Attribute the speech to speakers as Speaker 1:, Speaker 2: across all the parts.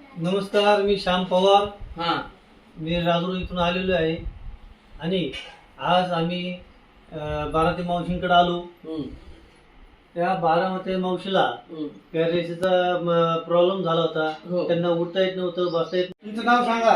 Speaker 1: नमस्कार, मी श्याम पवार.
Speaker 2: हा
Speaker 1: मी राजूर इथून आलेलो आहे आणि आज आम्ही बारामती मावशींकडे आलो.
Speaker 2: हम्म,
Speaker 1: त्या बारामती मावशीला
Speaker 2: हम्म.
Speaker 1: पॅरालिसिसचा प्रॉब्लेम झाला होता.
Speaker 2: हो.
Speaker 1: त्यांना उठता येत नव्हतं, बसता येत. तुमचं नाव सांगा.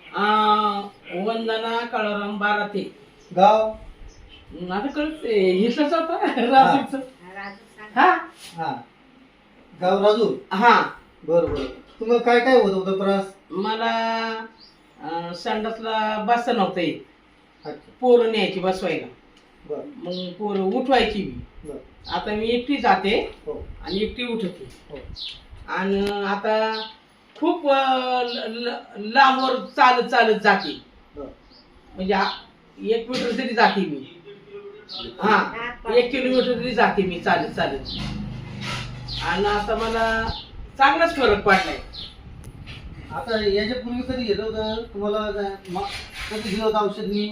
Speaker 2: वंदना काळाराम बाराते.
Speaker 1: गाव?
Speaker 2: आता कळते हिसच होता राजूचं. हा
Speaker 1: हा, गाव राजूर.
Speaker 2: हा
Speaker 1: बरं बरं. तुम्हाला काय काय होत होतं त्रास?
Speaker 2: मला संडासला बसता नव्हतं येत.
Speaker 1: अच्छा.
Speaker 2: पोरं न्यायची बसवायला,
Speaker 1: बरं
Speaker 2: मग पोरं उठवायची मी.
Speaker 1: बरं.
Speaker 2: आता मी एकटी जाते
Speaker 1: हो
Speaker 2: आणि एकटी उठते.
Speaker 1: हो.
Speaker 2: आणि आता खूप लांबवर चालत चालत जाते.
Speaker 1: बरं.
Speaker 2: म्हणजे 1 मीटर तरी जाते मी. हा, 1 किलोमीटर तरी जाते मी चालत चालत. आणि आता मला चांगलाच फरक पडलाय.
Speaker 1: आता याच्यापूर्वी कधी घेतलं होतं तुम्हाला? कधी दिलं होतं औषध मी?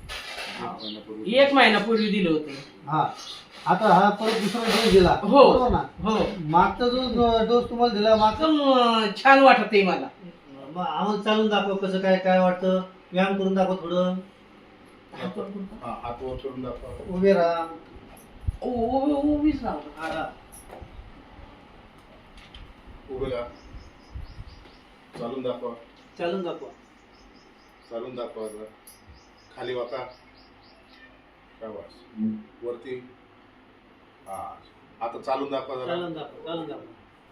Speaker 2: 1 महिन्यापूर्वी दिलं होतं.
Speaker 1: हा, आता हा परत दुसरा डोस दिला.
Speaker 2: हो.
Speaker 1: बरोबर ना?
Speaker 2: हो,
Speaker 1: मागचा जो डोस तुम्हाला दिला मागचा,
Speaker 2: एकदम छान वाटत आहे मला.
Speaker 1: मग आम्हाला चालून दाखव कसं काय काय वाटतं. व्यायाम करून दाखव थोडं.
Speaker 3: हात वर करून दाखवा.
Speaker 1: उभे राहा.
Speaker 2: उभीच राहू.
Speaker 1: हा, हा.
Speaker 3: उभे राहा. चालून दाखवा.
Speaker 1: चालून दाखवा.
Speaker 3: चालून दाखवा जरा. खाली वाका. शाबास. वरती. हा, आता चालून दाखवा जरा.
Speaker 1: चालून दाखवा. चालून दाखवा.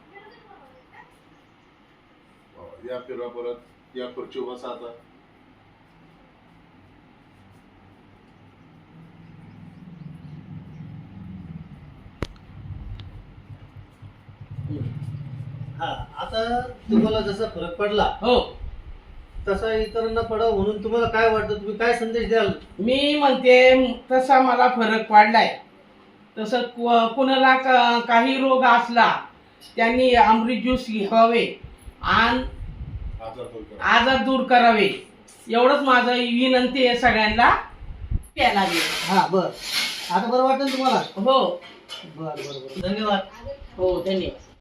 Speaker 3: या फिरवा परत. या खुर्चीवर बसा आता.
Speaker 1: हा, आता तुम्हाला जसा फरक पडला
Speaker 2: हो,
Speaker 1: तसा इतरांना पडावं म्हणून तुम्हाला काय वाटतं? तुम्ही काय संदेश द्याल?
Speaker 2: मी म्हणते तसा मला फरक पडलाय. तसं कुणाला काही रोग असला त्यांनी अमृत ज्यूस घ्यावे आणि
Speaker 3: आजार दूर करा.
Speaker 2: आजार दूर करावे. एवढंच माझं विनंती आहे सगळ्यांना. प्यायला लागेल.
Speaker 1: हा, बर. आता बरं वाटेल तुम्हाला?
Speaker 2: हो
Speaker 1: बर बर बर. धन्यवाद.
Speaker 2: हो, धन्यवाद.